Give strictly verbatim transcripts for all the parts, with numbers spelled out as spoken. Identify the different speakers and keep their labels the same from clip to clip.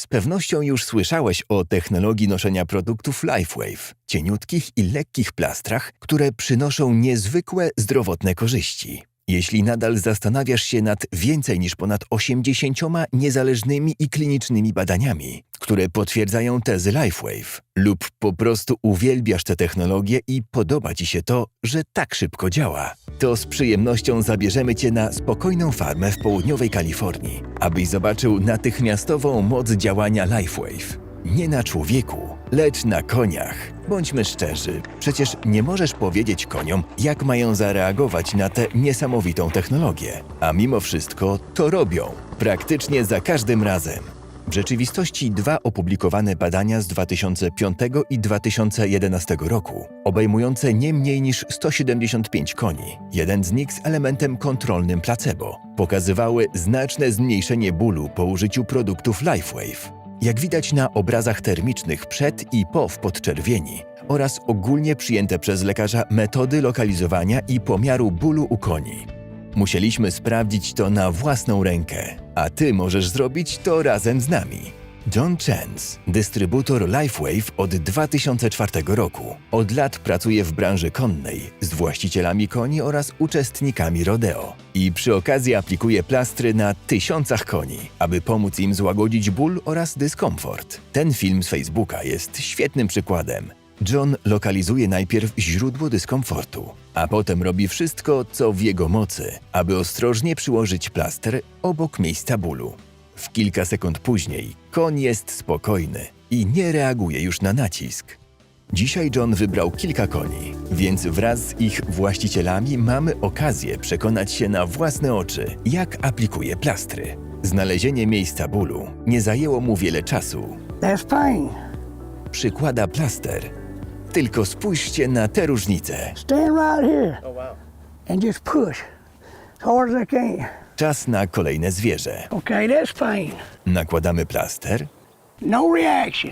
Speaker 1: Z pewnością już słyszałeś o technologii noszenia produktów LifeWave, cieniutkich i lekkich plastrach, które przynoszą niezwykłe zdrowotne korzyści. Jeśli nadal zastanawiasz się nad więcej niż ponad osiemdziesięcioma niezależnymi i klinicznymi badaniami, które potwierdzają tezy LifeWave, lub po prostu uwielbiasz tę technologię i podoba Ci się to, że tak szybko działa, to z przyjemnością zabierzemy Cię na spokojną farmę w południowej Kalifornii, abyś zobaczył natychmiastową moc działania LifeWave. Nie na człowieku, lecz na koniach. Bądźmy szczerzy, przecież nie możesz powiedzieć koniom, jak mają zareagować na tę niesamowitą technologię. A mimo wszystko to robią, praktycznie za każdym razem. W rzeczywistości dwa opublikowane badania z dwa tysiące piątego i dwa tysiące jedenastego roku, obejmujące nie mniej niż sto siedemdziesiąt pięć koni, jeden z nich z elementem kontrolnym placebo, pokazywały znaczne zmniejszenie bólu po użyciu produktów LifeWave. Jak widać na obrazach termicznych przed i po w podczerwieni oraz ogólnie przyjęte przez lekarza metody lokalizowania i pomiaru bólu u koni. Musieliśmy sprawdzić to na własną rękę, a Ty możesz zrobić to razem z nami. John Chance, dystrybutor LifeWave od dwa tysiące czwartego roku. Od lat pracuje w branży konnej z właścicielami koni oraz uczestnikami rodeo. I przy okazji aplikuje plastry na tysiącach koni, aby pomóc im złagodzić ból oraz dyskomfort. Ten film z Facebooka jest świetnym przykładem. John lokalizuje najpierw źródło dyskomfortu, a potem robi wszystko, co w jego mocy, aby ostrożnie przyłożyć plaster obok miejsca bólu. W kilka sekund później koń jest spokojny i nie reaguje już na nacisk. Dzisiaj John wybrał kilka koni, więc wraz z ich właścicielami mamy okazję przekonać się na własne oczy, jak aplikuje plastry. Znalezienie miejsca bólu nie zajęło mu wiele czasu.
Speaker 2: That's pain.
Speaker 1: Przykłada plaster. Tylko spójrzcie na tę różnicę.
Speaker 2: Stand right here and just push as hard as I can.
Speaker 1: Czas na kolejne zwierzę.
Speaker 2: Okay, that's pain.
Speaker 1: Nakładamy plaster
Speaker 2: No reaction.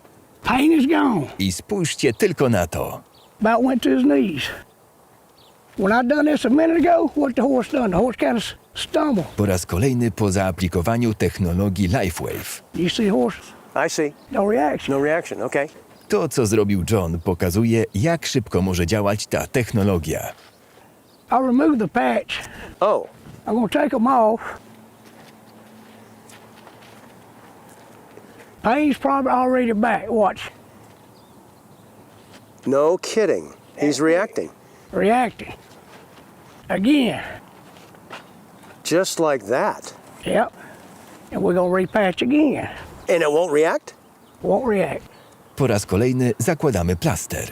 Speaker 2: Pain is gone.
Speaker 1: i spójrzcie tylko na to.
Speaker 2: About went to his knees. When I done this a minute ago, what the horse done? The horse kind of stumbled.
Speaker 1: Po raz kolejny po zaaplikowaniu technologii LifeWave.
Speaker 2: You see horse?
Speaker 3: I see.
Speaker 2: No reaction.
Speaker 3: No reaction. Okay.
Speaker 1: To, co zrobił John, pokazuje, jak szybko może działać ta technologia.
Speaker 2: I remove the patch.
Speaker 3: Oh,
Speaker 2: I'm gonna take them off. Pain's probably already back. Watch.
Speaker 3: no kidding. He's reacting.
Speaker 2: Reacting. Again.
Speaker 3: Just like that.
Speaker 2: Yep. And we're gonna repatch again.
Speaker 3: And it won't react?
Speaker 2: Won't react.
Speaker 1: Po raz kolejny zakładamy plaster.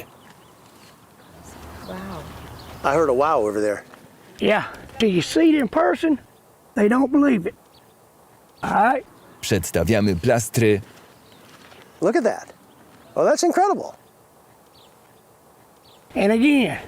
Speaker 3: I heard a wow over there.
Speaker 2: Yeah. Till you see it in person, they don't believe it. All right?
Speaker 1: Przedstawiamy plastry
Speaker 3: Look at that. Oh, that's incredible.
Speaker 2: And again.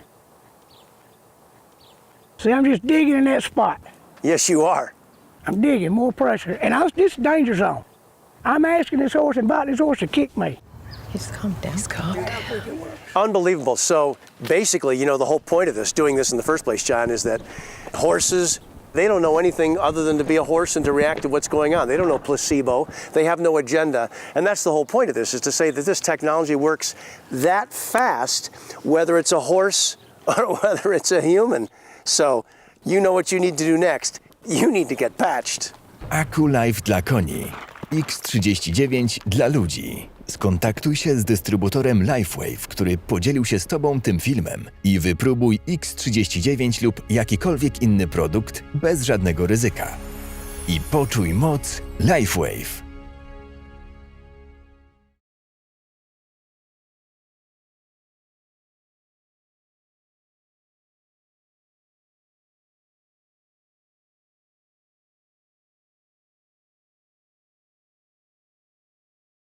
Speaker 2: See, I'm just digging in that spot.
Speaker 3: Yes, you are.
Speaker 2: I'm digging more pressure. And I was this danger zone. I'm asking this horse and inviting this horse to kick me.
Speaker 4: Just calm down. Just calm down.
Speaker 3: Unbelievable. So basically, you know, the whole point of this, doing this in the first place, John, is that horses, they don't know anything other than to be a horse and to react to what's going on. They don't know placebo. They have no agenda. And that's the whole point of this, is to say that this technology works that fast, whether it's a horse or whether it's a human. So you know what you need to do next. You need to get patched.
Speaker 1: AccuLife dla koni, X trzydzieści dziewięć dla ludzi. Skontaktuj się z dystrybutorem LifeWave, który podzielił się z Tobą tym filmem i wypróbuj X trzydzieści dziewięć lub jakikolwiek inny produkt bez żadnego ryzyka. I poczuj moc LifeWave.